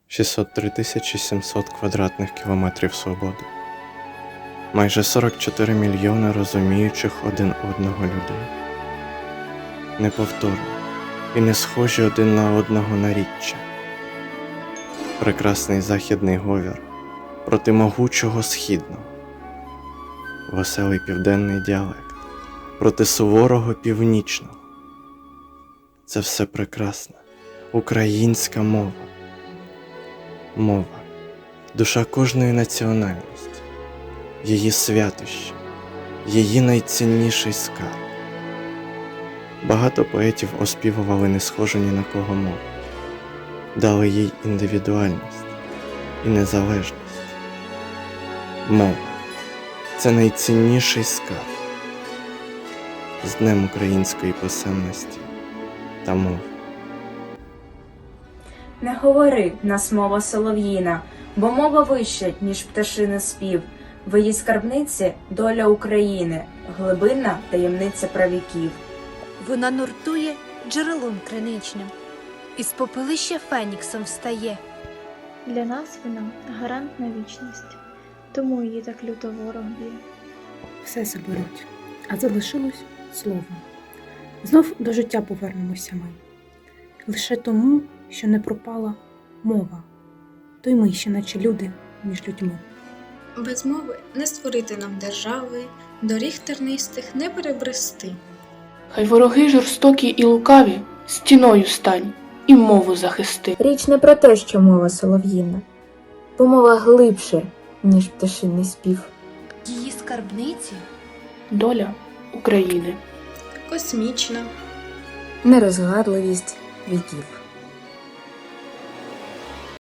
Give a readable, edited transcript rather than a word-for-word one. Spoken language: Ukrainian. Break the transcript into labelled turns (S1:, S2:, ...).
S1: 603 700 квадратних кілометрів свободи, майже 44 мільйони розуміючих один одного людей, неповторні і не схожі один на одного наріччя, прекрасний західний говір проти могучого східного, веселий південний діалект проти суворого північного. Це все прекрасна українська мова. Мова – душа кожної національності, її святощі, її найцінніший скарб. Багато поетів оспівували не схожу ні на кого мову, дали їй індивідуальність і незалежність. Мова – це найцінніший скарб. З Днем української писемності та мови.
S2: Не говори, нас мова солов'їна, бо мова вища, ніж пташини спів. В її скарбниці доля України, глибинна таємниця правіків.
S3: Вона нуртує джерелом криничним, із попелища феніксом встає.
S4: Для нас вона гарант на вічність, тому її так люто ворог б'є.
S5: Все заберуть, а залишилось слово. Знов до життя повернемося ми. Лише тому, що не пропала мова, то й ми ще наче люди між людьми.
S6: Без мови не створити нам держави, доріг тернистих не перебрести.
S7: Хай вороги жорстокі і лукаві стіною стань і мову захисти.
S2: Річ не про те, що мова солов'їна, бо мова глибше, ніж пташиний спів.
S3: Її скарбниці
S7: Доля України.
S6: Космічна.
S2: Нерозгадливість віків.